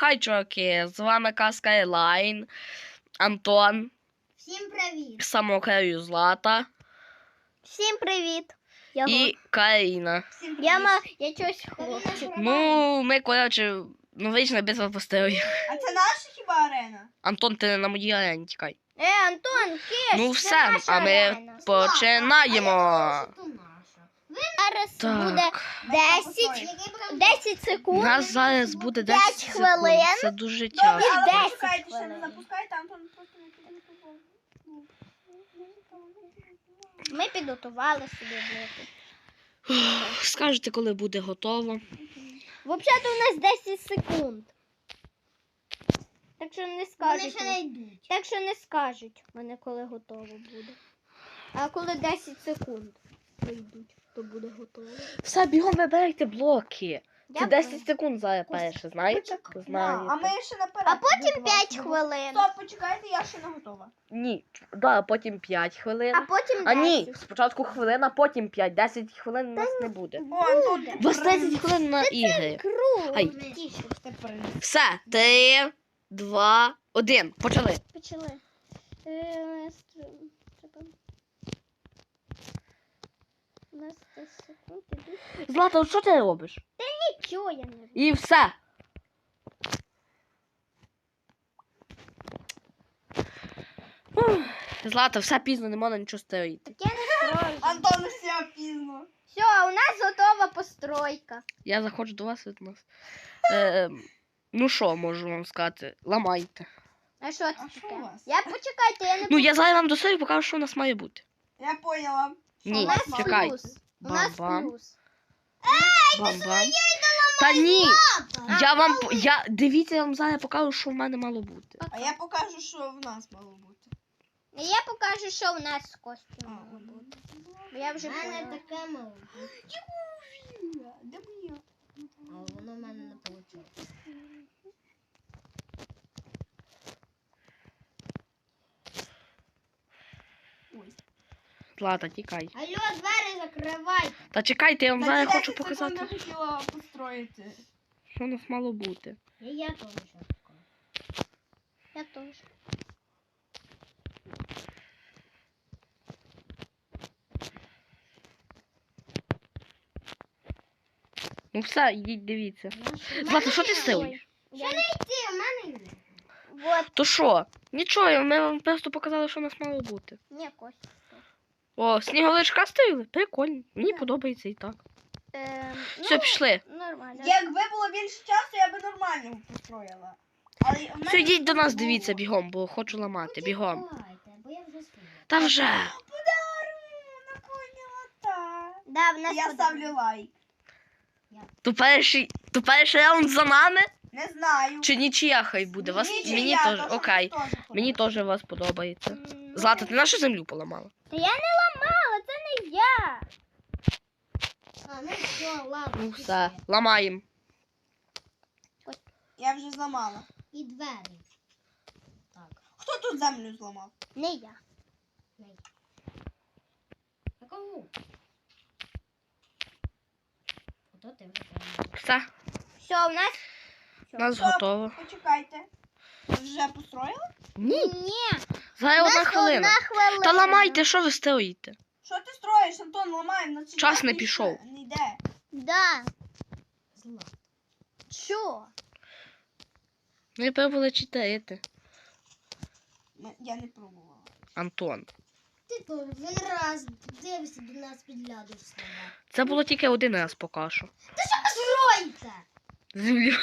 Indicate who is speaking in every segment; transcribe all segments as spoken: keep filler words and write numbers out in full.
Speaker 1: Хай, чуваки, з вами Казка Елайн, Антон.
Speaker 2: Всім привіт.
Speaker 1: Самокраю Злата.
Speaker 2: Всім привіт. Я
Speaker 1: І Каріна.
Speaker 2: Всім привіт. Я, ма... Я чогось хлопчик.
Speaker 1: Ну, ми, коротше, ну вийшли битва постерів.
Speaker 3: А це наша хіба арена?
Speaker 1: Антон, ти на моїй арені тікай.
Speaker 2: Е, Антон, киш,
Speaker 1: Ну
Speaker 2: це
Speaker 1: все,
Speaker 2: наша
Speaker 1: а ми
Speaker 2: арена.
Speaker 1: починаємо.
Speaker 2: Зараз
Speaker 1: Так.
Speaker 2: буде десять, десять
Speaker 1: У
Speaker 2: секунд.
Speaker 1: нас зараз буде
Speaker 2: п'ять
Speaker 1: десять секунд.
Speaker 2: хвилин.
Speaker 1: Це дуже
Speaker 3: Добре,
Speaker 1: тяжко.
Speaker 3: але
Speaker 2: десять
Speaker 3: почекайте, ще не
Speaker 2: хвилин.
Speaker 3: запускайте, Антон просто не підготував.
Speaker 2: Ми підготували собі блоки.
Speaker 1: Скажете, коли буде готово.
Speaker 2: Взагалі-то у нас десять секунд. Так що не скажуть.
Speaker 3: йдуть.
Speaker 2: Так що не скажуть мене, коли готово буде. А коли десять секунд прийдуть, то буде готово.
Speaker 1: Все, бігом вибирайте блоки. Це
Speaker 2: Я
Speaker 1: десять секунд зараз перше, знаєте?
Speaker 3: А
Speaker 1: Знаєте.
Speaker 3: ми ще наперед.
Speaker 2: А потім
Speaker 3: будемо.
Speaker 2: п'ять хвилин.
Speaker 3: Стоп, почекайте, я ще не готова.
Speaker 1: Ні, да, потім п'ять хвилин.
Speaker 2: А потім
Speaker 1: А ні,
Speaker 2: десять.
Speaker 1: спочатку хвилина, потім п'ять. десять хвилин у нас не буде.
Speaker 3: О, Антон,
Speaker 1: У вас десять хвилин на ігри.
Speaker 2: Круг.
Speaker 1: Ай. Все, три, два, один. Почали.
Speaker 2: Почали. Е, стр- треба. У нас десять секунд ідуть.
Speaker 1: Злата, що ти робиш?
Speaker 2: Нічого я не роблю.
Speaker 1: І все. Ух, Злата, все пізно, не можна нічого стоїти.
Speaker 2: Так я не строю.
Speaker 3: Антон, все пізно.
Speaker 2: Все, у нас готова постройка.
Speaker 1: Я заходжу до вас від нас. Е, ну що можу вам сказати? Ламайте.
Speaker 2: А що це
Speaker 3: А що
Speaker 2: таке?
Speaker 3: у вас?
Speaker 2: Я почекайте, я не
Speaker 1: Ну, я зараз вам до себе покажу, що у нас має бути.
Speaker 3: Я поняла.
Speaker 1: Ні,
Speaker 2: У нас
Speaker 1: чекай.
Speaker 2: плюс. У нас
Speaker 1: Бам-бам.
Speaker 2: плюс.
Speaker 1: Бам-бам. Та ні, я вам, по- я, дивіться, я вам зараз покажу, що в мене мало бути.
Speaker 3: А я покажу, що в нас мало бути.
Speaker 2: І я покажу, що у нас з костю
Speaker 3: А,
Speaker 2: мало бути. Бо я вже поняла.
Speaker 4: таке мало.
Speaker 3: Де моя?
Speaker 4: А воно в мене не вийшло.
Speaker 3: Ой.
Speaker 1: Злата, тікай.
Speaker 4: Алло, двері закривай.
Speaker 1: Та чекайте, я вам
Speaker 3: Та
Speaker 1: зараз
Speaker 3: ці
Speaker 1: хочу
Speaker 3: десять секунд
Speaker 1: показати,
Speaker 3: Я хотіла построїти.
Speaker 1: що у нас мало бути.
Speaker 4: І я теж щось покажу.
Speaker 2: Я теж.
Speaker 1: Ну все, йдіть, дивіться. Злата, що ти стоїш?
Speaker 2: Я...
Speaker 4: Ти, в мене йде.
Speaker 2: Вот.
Speaker 1: То що? Нічого, ми вам просто показали, що у нас мало бути.
Speaker 2: Ні, Костя.
Speaker 1: О, сніговичка стоїли? Прикольно. Мені подобається і так.
Speaker 2: Ем,
Speaker 1: Все, пішли.
Speaker 2: Нормально.
Speaker 3: Якби було більше часу, я би нормально построїла. Але в мене
Speaker 1: Все, йдіть до нас,
Speaker 3: було.
Speaker 1: дивіться бігом, бо хочу ламати, бігом.
Speaker 4: Давайте, бо я вже спію.
Speaker 1: Та вже.
Speaker 3: Подарунок, поняла, так.
Speaker 2: Да, в нас
Speaker 3: Я
Speaker 2: буде.
Speaker 3: ставлю лайк.
Speaker 1: То перший, то перший раунд за нами?
Speaker 3: Не знаю.
Speaker 1: Чи нічия хай буде? Вас,
Speaker 3: Нічия,
Speaker 1: мені
Speaker 3: то,
Speaker 1: теж,
Speaker 3: що
Speaker 1: окей.
Speaker 3: мені теж
Speaker 1: Мені теж вас подобається.
Speaker 2: М,
Speaker 1: Злата, ти нашу землю поламала?
Speaker 2: Та я не ламала, це не я.
Speaker 4: А, ну все, ладно.
Speaker 1: Ну
Speaker 4: пішли.
Speaker 1: все, ламаємо.
Speaker 3: Я вже зламала.
Speaker 4: І двері. Так.
Speaker 3: Хто тут землю зламав?
Speaker 2: Не я.
Speaker 4: А кому? Ото ти вже прямо.
Speaker 1: Все,
Speaker 2: Все, у нас.
Speaker 1: у нас
Speaker 3: Стоп,
Speaker 1: готово.
Speaker 3: Почекайте. Ви вже построїли?
Speaker 1: Ні,
Speaker 2: Ні.
Speaker 1: зараз
Speaker 2: У
Speaker 1: одна
Speaker 2: нас
Speaker 1: хвилина.
Speaker 2: одна хвилина.
Speaker 1: Та ламайте, що ви стоїте?
Speaker 3: Що ти строїш, Антон, ламай на ці
Speaker 1: Час не
Speaker 3: дверки
Speaker 1: пішов.
Speaker 3: ще Не йде.
Speaker 2: Да.
Speaker 4: Зла.
Speaker 2: Що?
Speaker 1: Ми пробували читати.
Speaker 3: М- Я не пробувала.
Speaker 1: Антон.
Speaker 4: Ти то він раз дивишся до нас підглядуєш слова.
Speaker 1: Це було тільки один раз поки що.
Speaker 4: Стройте!
Speaker 1: Землю.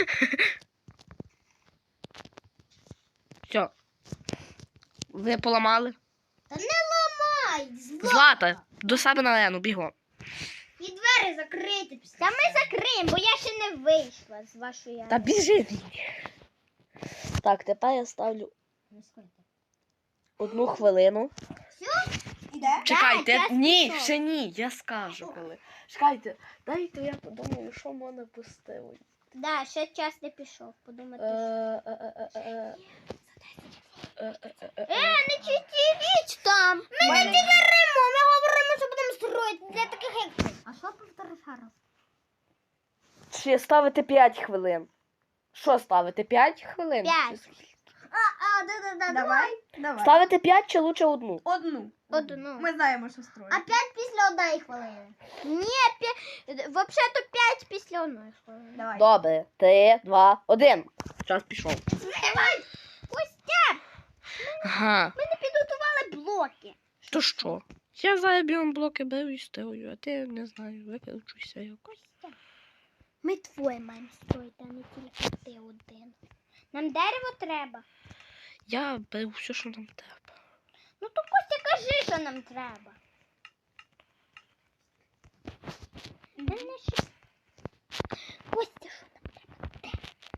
Speaker 1: Все. Ви поламали?
Speaker 4: Та не ламай! Зла.
Speaker 1: Злата, до себе на арену, бігом.
Speaker 4: І двері закрити після.
Speaker 2: Та ми закриємо, бо я ще не вийшла з вашої.
Speaker 1: Та біжи. Так, тепер я ставлю
Speaker 4: Не скойте.
Speaker 1: одну хвилину.
Speaker 3: Іде?
Speaker 1: Чекайте,
Speaker 2: час
Speaker 1: ні,
Speaker 2: пішов.
Speaker 1: ще ні, я скажу коли. Чекайте, дайте я подумаю, що мене пустило.
Speaker 2: Да, ще час не пішов, подумати.
Speaker 1: Е, е, е, е, е. Е, е, е, е.
Speaker 2: Е, не чотиріч там.
Speaker 4: Ми не говоримо, ми говоримо, що будемо строїти для таких як ти. А що повтори ще раз?
Speaker 1: Ще ставити п'ять хвилин. Що ставити? п'ять хвилин?
Speaker 2: П'ять.
Speaker 4: А, да, да, да,
Speaker 3: Давай, давай.
Speaker 1: Ставити п'ять чи лучше одну?
Speaker 3: Одну.
Speaker 2: Одну.
Speaker 3: Ми знаємо, що строїти.
Speaker 4: А п'ять після одної хвилини.
Speaker 2: Ні, п'ять. Взагалі-то п'ять після одної хвилини.
Speaker 3: Давай.
Speaker 1: Добре. Три, два, один. Час пішов.
Speaker 2: Костя,
Speaker 1: Ага.
Speaker 2: ми не підготували блоки.
Speaker 1: То що? Я зараз біом блоки беру і стою, а ти, не знаю, викручуйся якось.
Speaker 2: Ми твоє маємо строїти, а не тільки ти один. Нам дерево треба.
Speaker 1: Я беру все, що нам треба.
Speaker 2: Ну то Костя, кажи, що нам треба. Та не щось. Костя, що нам треба? Де?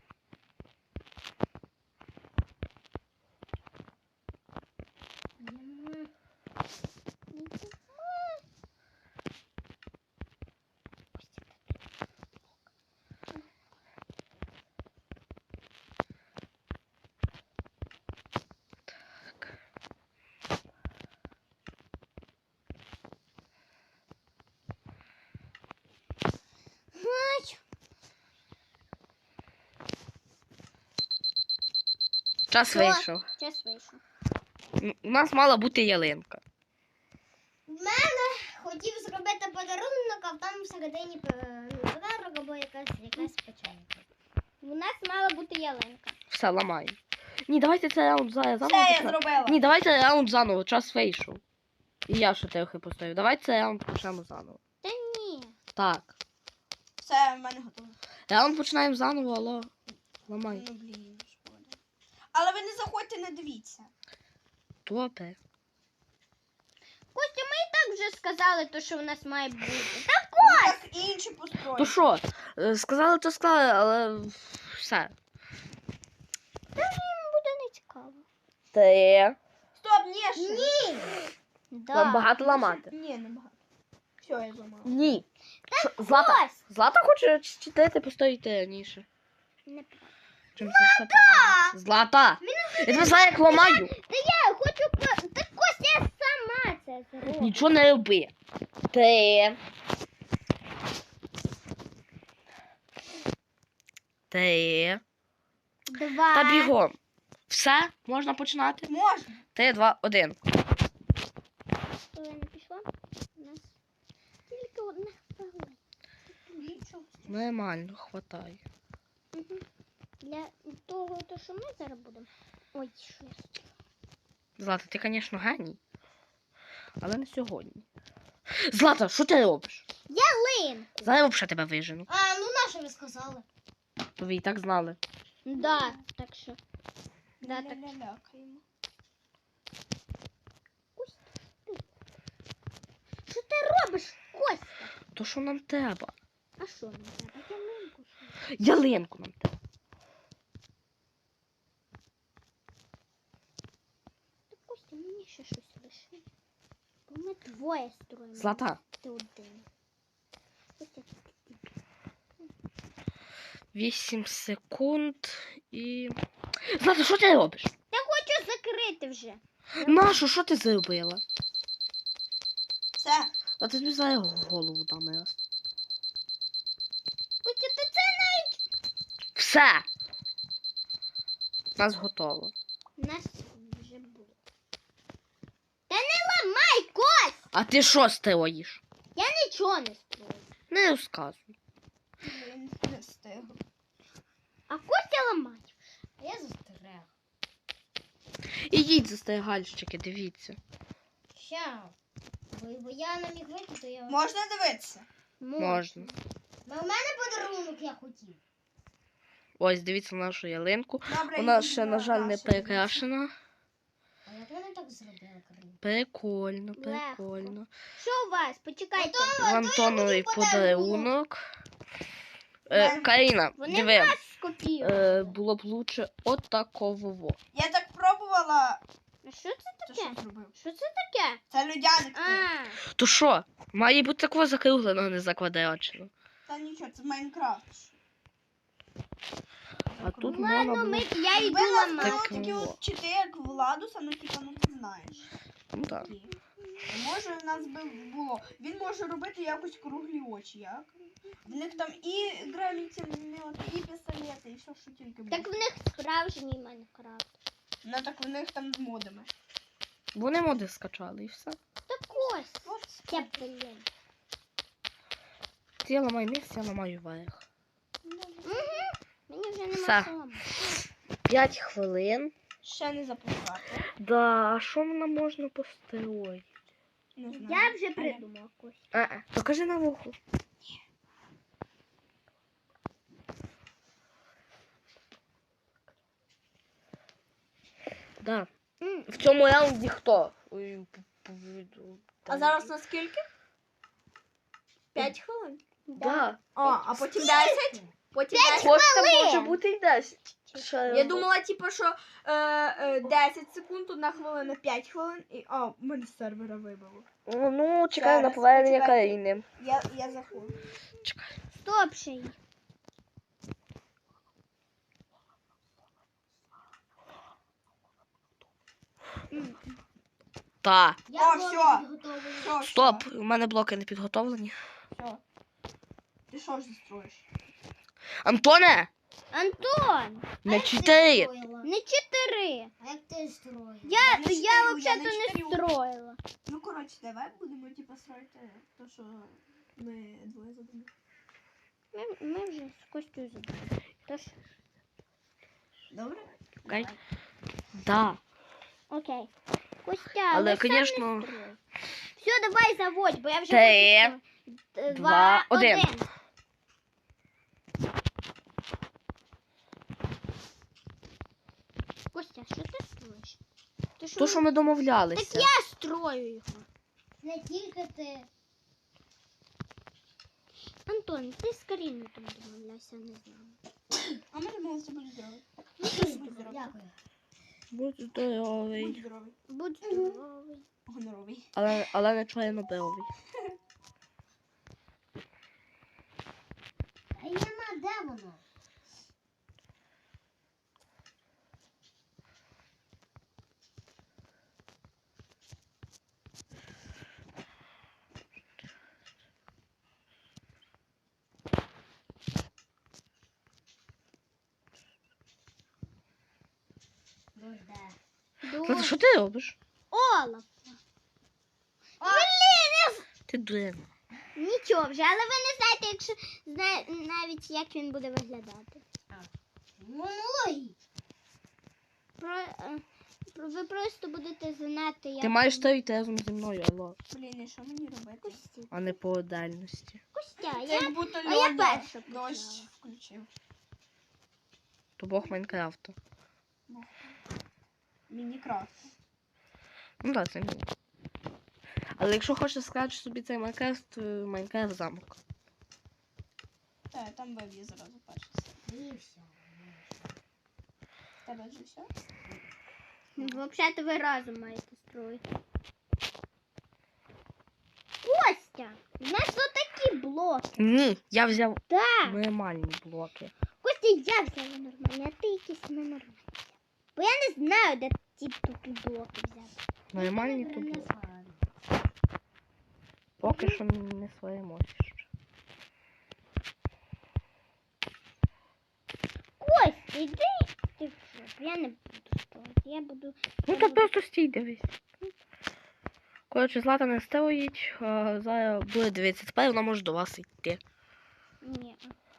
Speaker 2: Нема. Нема. Костя, Ай,
Speaker 1: Час
Speaker 2: Що?
Speaker 1: вийшов.
Speaker 2: час вийшов.
Speaker 1: М, У нас мала бути ялинка.
Speaker 4: В мене хотів зробити подарунок, а там всередині е, ну, подарунок або якась якась печенька.
Speaker 2: У нас мала бути ялинка.
Speaker 1: Все, ламаємо. Ні, давайте це раунд за- заново.
Speaker 3: Все, я
Speaker 1: почнемо.
Speaker 3: зробила.
Speaker 1: Ні, давайте раунд заново, час вийшов. І я ще трохи поставлю. Давайте це раунд почнемо заново.
Speaker 2: Та ні.
Speaker 1: Так.
Speaker 3: Все, в мене готово.
Speaker 1: Раунд починаємо заново, алло. Ламай.
Speaker 3: Ну, блін, шкода. Але ви не заходьте, не дивіться.
Speaker 1: Добре.
Speaker 2: Костя, ми і так вже сказали, то, що в нас має бути. Так,
Speaker 3: Ну, так інші построїть.
Speaker 1: То що, е, сказали, то сказали, але все.
Speaker 2: їм буде не цікаво.
Speaker 1: Три.
Speaker 3: Стоп, ні, ще. Ні.
Speaker 2: Да.
Speaker 1: Вам багато ламати.
Speaker 3: Ні, не багато. Все, я зламала.
Speaker 1: Ні. Що, Злата,
Speaker 2: Ось.
Speaker 1: Злата хоче читати, постоїти раніше.
Speaker 2: Не...
Speaker 1: Чим це все пов'язано? Злата! Я тебе знаю, як ламаю.
Speaker 2: Та я хочу... по- Та Костя, я сама це зроблю.
Speaker 1: Нічого не роби. Три. Три.
Speaker 2: Два.
Speaker 1: Та бігом. Все, можна починати?
Speaker 3: Можна.
Speaker 1: Три, два, один.
Speaker 2: Хвилина пішла. У нас тільки одна хвилина.
Speaker 3: Нічого.
Speaker 1: Нормально, хватає.
Speaker 2: Угу. Для того, то, що ми зараз будемо. Ой, що я зробила?
Speaker 1: Злата, ти, звісно, геній. Але не сьогодні. Злата, що ти робиш?
Speaker 2: Ялинку.
Speaker 1: Зараз взагалі тебе вижену.
Speaker 4: А, ну на що ви сказали?
Speaker 1: То ви і так знали.
Speaker 2: Да, так що. Да, так.
Speaker 3: Ля-ля-лякаємо.
Speaker 2: Що ти робиш, Костя?
Speaker 1: То що нам треба?
Speaker 2: А що нам треба? Ялинку що?
Speaker 1: Ялинку нам треба.
Speaker 2: Та Костя, мені ще щось лиши. Бо ми двоє строїмо.
Speaker 1: Злата,
Speaker 2: Ти один. Костя,
Speaker 1: вісім секунд і... Злата, що ти робиш?
Speaker 2: я хочу закрити вже.
Speaker 1: Нашу, що ти зробила?
Speaker 3: Все.
Speaker 1: А ти тобі зараз голову дам раз.
Speaker 2: Костя, ти це навіть...
Speaker 1: Все! Нас готово.
Speaker 2: У нас вже було. Та не ламай, Кость!
Speaker 1: А ти що строїш?
Speaker 2: Я нічого не строю.
Speaker 1: Не розказуй.
Speaker 3: Блін, не встигла.
Speaker 2: А Костя ламає.
Speaker 4: А я застерег.
Speaker 1: Ідіть застерігальщики, дивіться.
Speaker 4: Ща. Бо, бо я не міг вийти, то я...
Speaker 3: Можна дивитися?
Speaker 1: Можна.
Speaker 4: Бо в мене подарунок я хотів.
Speaker 1: Ось, дивіться нашу ялинку.
Speaker 3: Добре,
Speaker 1: Вона
Speaker 3: йдіть
Speaker 1: ще, на жаль, не
Speaker 3: наші.
Speaker 1: перекрашена.
Speaker 4: А як вони так зробили, Карин?
Speaker 1: Прикольно,
Speaker 2: Легко.
Speaker 1: прикольно.
Speaker 2: Що у вас? Почекайте.
Speaker 1: Антоновий подарунок. Е,
Speaker 3: Мене-
Speaker 1: Каріна,
Speaker 2: Вони
Speaker 1: диви,
Speaker 2: нас скопіюють.
Speaker 1: е, було б лучше отакового.
Speaker 3: Я так пробувала.
Speaker 2: А що це
Speaker 3: Ти
Speaker 2: таке?
Speaker 3: що зробив?
Speaker 2: Що це таке?
Speaker 3: Це людяник. ти.
Speaker 2: А,
Speaker 1: То що? Має бути такого закругленого, не заквадраченого.
Speaker 3: Та нічого, це Майнкрафт.
Speaker 1: А тут
Speaker 2: ладно,
Speaker 1: можна
Speaker 2: ми,
Speaker 1: було...
Speaker 2: я
Speaker 3: Якби
Speaker 2: йду
Speaker 3: у нас
Speaker 2: ламати.
Speaker 3: було
Speaker 1: Так,
Speaker 3: такі
Speaker 1: во.
Speaker 3: от чити, як Владуса, ну типа, ну ти знаєш.
Speaker 1: Ну так.
Speaker 3: Такі. Може в нас би було. Він може робити якось круглі очі, як? В них там і гравітімет, і пістолети, і все, що тільки буде.
Speaker 2: Так в них справжній Майнкрафт.
Speaker 3: Ну так в них там з модами.
Speaker 1: Вони моди скачали і все.
Speaker 2: Так ось.
Speaker 3: От.
Speaker 2: Це, блін.
Speaker 1: Я ламаю низ, я ламаю верх.
Speaker 2: Угу. Мені вже
Speaker 1: Все.
Speaker 2: нема що ламати.
Speaker 1: П'ять хвилин.
Speaker 3: Ще не запускати.
Speaker 1: Да, а що нам можна построїти?
Speaker 3: Не знаю.
Speaker 2: Я вже придумав Костя.
Speaker 1: А, покажи на вуху. Да.
Speaker 2: М.
Speaker 1: В цьому раунді хто? Ой, п- п-
Speaker 3: А зараз на скільки? П'ять хвилин.
Speaker 1: Да.
Speaker 3: О, а потім десять? Потім десять.
Speaker 1: Кошта може бути й десять.
Speaker 3: Я думала, типу, що е, е, десять секунд, одна хвилина, п'ять хвилин. І, о, мене з сервера вибило.
Speaker 1: Ну, ну чекаю на
Speaker 3: Зараз,
Speaker 1: повернення
Speaker 3: почекайте.
Speaker 1: країни.
Speaker 3: Я, я заходжу.
Speaker 1: Чекай.
Speaker 2: Стоп ще й.
Speaker 1: Та.
Speaker 4: Я
Speaker 3: О,
Speaker 4: блоки
Speaker 3: всьо.
Speaker 4: підготовлю.
Speaker 3: Що,
Speaker 1: Стоп, у мене блоки не підготовлені.
Speaker 3: Що? Ти що ж строїш?
Speaker 1: Антоне!
Speaker 2: Антон,
Speaker 4: А
Speaker 1: Не
Speaker 4: як ти
Speaker 1: читай!
Speaker 4: строїла?
Speaker 2: не чотири.
Speaker 4: А як ти строїла?
Speaker 2: Я,
Speaker 3: не
Speaker 2: я
Speaker 3: чотирю, я
Speaker 2: взагалі
Speaker 3: не
Speaker 2: не
Speaker 3: чотирю.
Speaker 2: строїла.
Speaker 3: Ну, коротше, давай будемо, типу, строїти то, що ми двоє задумали.
Speaker 2: Ми, ми вже з Костю забули. Тож,
Speaker 3: Добре?
Speaker 1: Окей. Да.
Speaker 2: окей. Костя,
Speaker 1: Але,
Speaker 2: ви сам
Speaker 1: конечно,
Speaker 2: не строй. Все, давай заводь, бо я вже
Speaker 1: Три,
Speaker 2: хочу строїти.
Speaker 1: два,
Speaker 2: Два,
Speaker 1: один.
Speaker 2: один. Костя, що ти строїш? Ти
Speaker 1: То, що ми домовлялися.
Speaker 2: Так я строю його.
Speaker 4: Не тільки ти.
Speaker 2: Антон, ти з Каріною там домовлявся, не знаю.
Speaker 3: А ми домовилися, будь здоровий.
Speaker 4: Дякую.
Speaker 1: Будь здоровий.
Speaker 3: Будь здоровий.
Speaker 2: Будь здоровий.
Speaker 3: Гоноровий.
Speaker 1: Але, але не чорнобровий.
Speaker 4: А нема, де воно? Дожде.
Speaker 1: Злата, що ти робиш?
Speaker 2: Олаф.
Speaker 1: Ти дурна.
Speaker 2: Нічого вже, але ви не знаєте, якщо зна... навіть як він буде виглядати.
Speaker 4: Ну, логічно.
Speaker 2: Про... е, про- Ви просто будете знати, як...
Speaker 1: Ти маєш стояти разом зі мною, алло.
Speaker 3: Блін, і що мені робити?
Speaker 2: Костя,
Speaker 1: А не по дальності.
Speaker 2: Костя,
Speaker 3: Це
Speaker 2: я...
Speaker 3: як будто
Speaker 2: а я
Speaker 3: Льоня
Speaker 2: перша почала.
Speaker 3: дощ включив.
Speaker 1: То Бог Майнкрафту.
Speaker 3: Мінікрафт.
Speaker 1: Ну так, це мій. Але якщо хочеш сказати собі цей Майнкрафт, то Майнкрафт замок.
Speaker 3: Так, там веб'є зразу перше.
Speaker 4: І все.
Speaker 3: В тебе вже все?
Speaker 2: Взагалі-то ви разом маєте строїти. Костя, у нас тут такі блоки.
Speaker 1: Ні, я взяв
Speaker 2: Так.
Speaker 1: нормальні блоки.
Speaker 2: Костя, я взяла нормальні, а ти якісь ненормальні. Бо я не знаю, де ті тупі блоки взяти.
Speaker 1: Нормальні то блоки. Поки що не своємося ще.
Speaker 2: Костя, йди. Ти що? Я не буду строїти. Я буду...
Speaker 1: Ну то просто стій, дивись. Коротше, Злата не стоїть, а зараз буде дивитися. Тепер вона може до вас йти.
Speaker 2: Ні.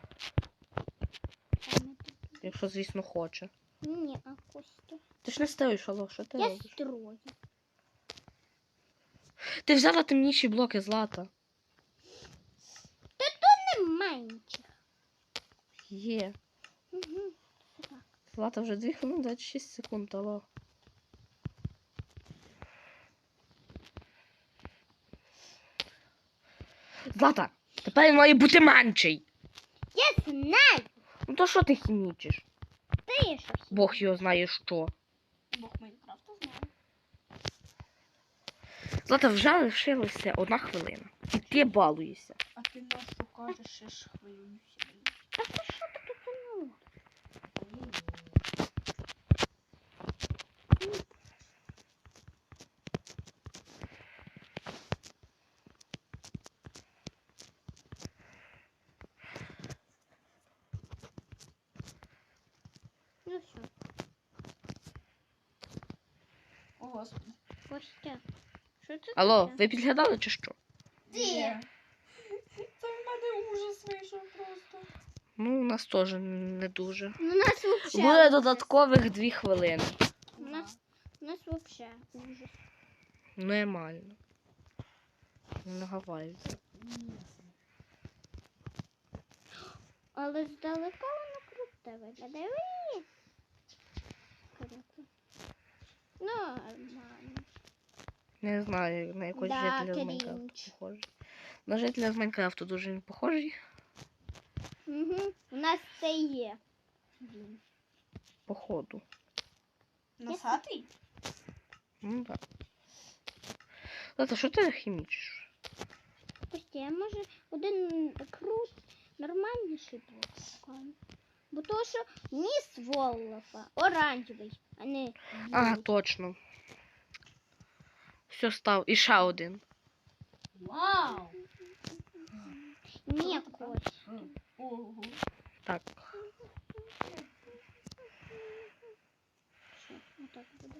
Speaker 2: А ми тут-
Speaker 1: Якщо, звісно, хоче.
Speaker 2: Ні, а Костя.
Speaker 1: Ти ж не стоїш, алло, що ти
Speaker 2: Я
Speaker 1: робиш?
Speaker 2: строю.
Speaker 1: Ти взяла темніші блоки, Злата.
Speaker 2: Немає нічого.
Speaker 1: Є.
Speaker 2: Угу.
Speaker 1: Злата вже дві хвилини двадцять шість секунд, алло. Злата, тепер він має бути менший.
Speaker 2: Я знаю.
Speaker 1: Ну то що ти хімічиш?
Speaker 2: Ти що?
Speaker 1: Бог його знає що.
Speaker 3: Бог Майнкрафта знає.
Speaker 1: Злата, вже лишилася одна хвилина. І ти балуєшся.
Speaker 3: А ти нас що кажеш, ще ж хвилююся.
Speaker 2: А ти що таке тянуло?
Speaker 3: господи.
Speaker 2: Костя. Що це
Speaker 1: Алло,
Speaker 2: таке?
Speaker 1: ви підглядали чи що?
Speaker 4: Ти.
Speaker 3: Ні. Це в мене ужас вийшов просто.
Speaker 1: Ну, у нас теж не дуже.
Speaker 2: Ну, у нас вообще
Speaker 1: Буде
Speaker 2: ужас.
Speaker 1: додаткових дві хвилини.
Speaker 2: У нас, у нас вообще ужас.
Speaker 1: Нормально. Не наговарюйся.
Speaker 2: Але здалека воно круте виглядає. Уї! Круто. Ну, нормально.
Speaker 1: Не знаю, на якогось
Speaker 2: Да,
Speaker 1: жителя з
Speaker 2: крінж.
Speaker 1: Майнкрафту похожий. На жителя з Майнкрафту дуже він похожий.
Speaker 2: Угу. У нас це є. Він.
Speaker 1: Походу.
Speaker 3: Носатий?
Speaker 1: Ну так. Злата, що ти хімічиш?
Speaker 2: Костя, я може один крут нормальніший блок шукаю. Бо то, що ніс Воллафа оранжевий, а не
Speaker 1: Ага,
Speaker 2: білий.
Speaker 1: точно. Все став. І ще один.
Speaker 4: Вау.
Speaker 2: Ні, Костя.
Speaker 3: Ого.
Speaker 1: Так.
Speaker 2: Що, отак буде.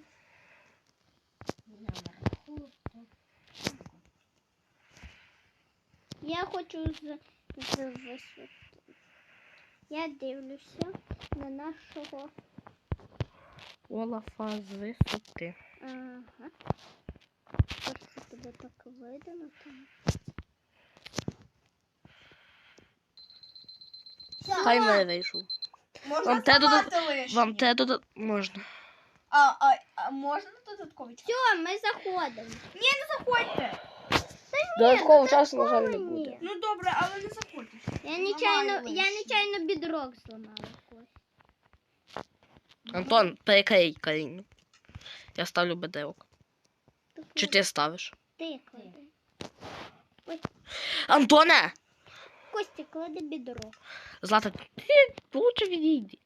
Speaker 2: Я хочу з, з висоти. Я дивлюся на нашого.
Speaker 1: Олафа з висоти.
Speaker 2: Ага. Просто тебе так видно там.
Speaker 1: Хай мене вийшов.
Speaker 3: Можна
Speaker 1: Вам те
Speaker 3: зламати
Speaker 1: додат-
Speaker 3: лишнє?
Speaker 1: Вам те додат... можна.
Speaker 3: А, а, а можна додатковий час?
Speaker 2: Все, ми заходимо.
Speaker 3: Заходьте.
Speaker 1: Додаткового часу, на жаль, не
Speaker 2: Ні.
Speaker 1: буде.
Speaker 3: Ну добре, але не заходьте.
Speaker 2: Я нечайно,
Speaker 3: Ламаю
Speaker 2: я
Speaker 3: лишнє.
Speaker 2: нечайно бідрок зламала. Костя.
Speaker 1: Антон, перекрий Каріну. Я ставлю бедерок. Чи ти ставиш?
Speaker 2: Ти клади.
Speaker 1: Антоне!
Speaker 2: Костя, клади бідрок.
Speaker 1: Злата, ти лучше відійди.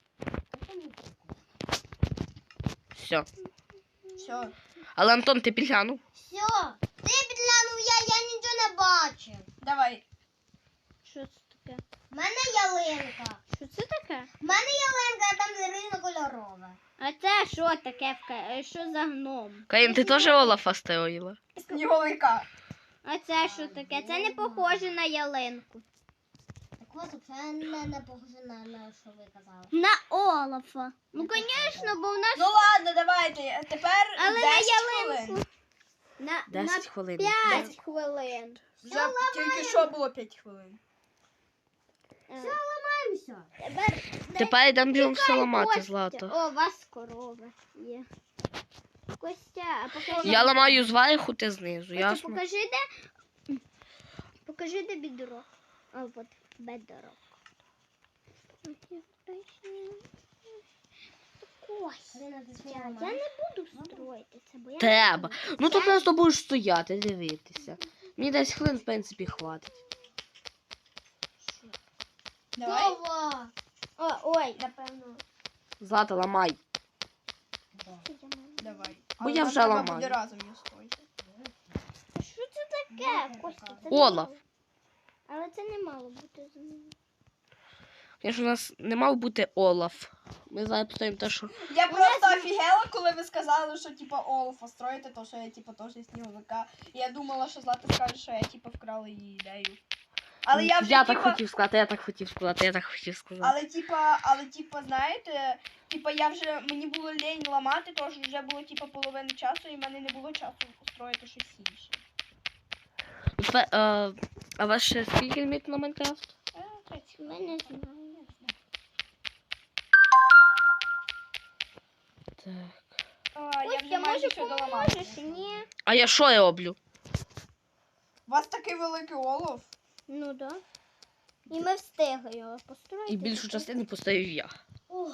Speaker 1: Все.
Speaker 3: Все.
Speaker 1: Але Антон, ти підглянув?
Speaker 4: Все. Ти підглянув, я, я нічого не бачив.
Speaker 3: Давай.
Speaker 2: Що це таке?
Speaker 4: У мене ялинка.
Speaker 2: Що це таке?
Speaker 4: У мене ялинка, а там різнокольорове.
Speaker 2: А це що таке? в ка- е, Що за гном?
Speaker 1: Карін, ти теж Олафа строїла?
Speaker 3: Сніговика.
Speaker 2: А це що таке? Це не похоже на ялинку.
Speaker 4: Так ось це не, не похоже на, на що ви казали.
Speaker 2: На Олафа. Ну, звісно, бо у нас
Speaker 3: Ну ладно, давайте. Тепер
Speaker 2: Але на
Speaker 3: десять
Speaker 2: ялинку.
Speaker 3: хвилин.
Speaker 2: на,
Speaker 1: десять
Speaker 2: на
Speaker 1: хвилин.
Speaker 2: п'ять хвилин.
Speaker 3: Вже тільки що було п'ять хвилин.
Speaker 2: Е,
Speaker 4: Ламаємося.
Speaker 2: Тепер
Speaker 1: Тепер йдемо бігом все ламати,
Speaker 2: Костя.
Speaker 1: Злата.
Speaker 2: О, у вас корова є. Костя, а покажи.
Speaker 1: Я ламаю зверху, ти знизу,
Speaker 2: Костя,
Speaker 1: ясно?
Speaker 2: покажи, де. Покажи, де бідро. А от бедро. Костя, я не буду строїти це, бо я
Speaker 1: Треба. Ну то просто будеш стояти, дивитися. Мені десять хвилин, в принципі, хватить.
Speaker 3: Давай.
Speaker 4: Ова.
Speaker 2: О, ой, напевно.
Speaker 1: Злата, ламай.
Speaker 3: Давай.
Speaker 1: Бо
Speaker 3: Але
Speaker 1: я
Speaker 3: нам
Speaker 1: вже
Speaker 3: треба
Speaker 1: ламаю.
Speaker 3: буде разом її строїти.
Speaker 2: Що це таке, Костя? Це не
Speaker 1: Олаф.
Speaker 2: мало. Але це не мало бути за мною.
Speaker 1: Звісно, у нас не мав бути Олаф. Ми зараз поставимо те, що...
Speaker 3: Я просто офігела, коли ви сказали, що типа Олафа строїте, то що я типа теж сніговика. І я думала, що Злата скаже, що я типа вкрала її ідею. Але я вже
Speaker 1: я
Speaker 3: типа...
Speaker 1: так хотів сказати, я так хотів сказати, я так хотів сказати.
Speaker 3: Але типа, але типа, знаєте, типа я вже мені було лень ламати, тож вже було типа половина часу, і в мене не було часу устроїти щось інше.
Speaker 1: Тепер, е, а у вас ще скільки ліміт на Майнкрафт?
Speaker 3: Е, тридцять.
Speaker 2: Ми не знаємо.
Speaker 1: Так.
Speaker 3: А, я вже
Speaker 2: Костя,
Speaker 3: майже
Speaker 2: може
Speaker 3: все доламала.
Speaker 2: поможеш? Ні.
Speaker 1: А я що роблю?
Speaker 3: У вас такий великий олов?
Speaker 2: Ну да. І ми встигли його построїти.
Speaker 1: І більшу частину поставив я.
Speaker 4: Ой.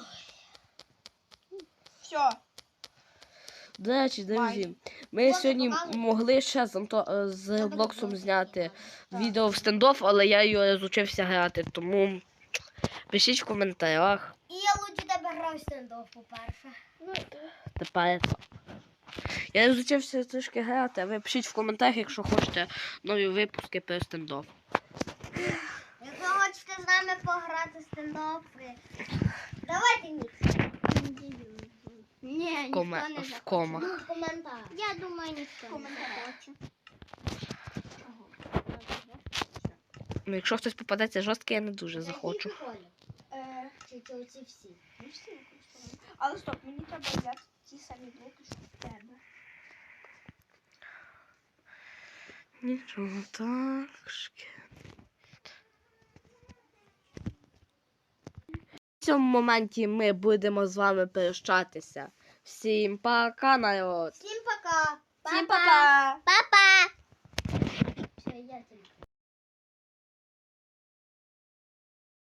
Speaker 3: Все.
Speaker 1: До речі, друзі,
Speaker 3: Майже.
Speaker 1: ми
Speaker 4: Можна
Speaker 1: сьогодні
Speaker 4: показувати?
Speaker 1: могли ще з, Анто- е, з
Speaker 4: Треба
Speaker 1: Блоксом
Speaker 4: було
Speaker 1: зняти
Speaker 3: Так.
Speaker 1: відео в стендоф, але я його розучився грати, тому пишіть в коментарях.
Speaker 4: І я лучше тебе грав стендов, по-перше.
Speaker 2: Ну,
Speaker 1: Тепер так. Я розучився трішки грати, а ви пишіть в коментарях, якщо хочете нові випуски про стендоф.
Speaker 4: Якщо хочете з нами пограти в стендов, давайте ні.
Speaker 2: ні, ніхто
Speaker 1: коме...
Speaker 2: не
Speaker 1: в
Speaker 2: захоче.
Speaker 1: комах.
Speaker 4: Ну, коментар.
Speaker 2: Я думаю, ніхто не
Speaker 3: Коментарі.
Speaker 2: захоче.
Speaker 1: Ну, якщо хтось попадеться жорсткий, я не дуже захочу.
Speaker 4: Який колір?
Speaker 3: Е,
Speaker 4: Чи це оці всі?
Speaker 3: ну, всі використовуємо. Але стоп, мені треба взяти ті самі блоки, що в тебе.
Speaker 1: Нічого так. В цьому моменті ми будемо з вами прощатися. Всім пока, народ!
Speaker 4: Всім пока.
Speaker 3: Всім па-па!
Speaker 2: Па-па!
Speaker 4: Все, я тебе.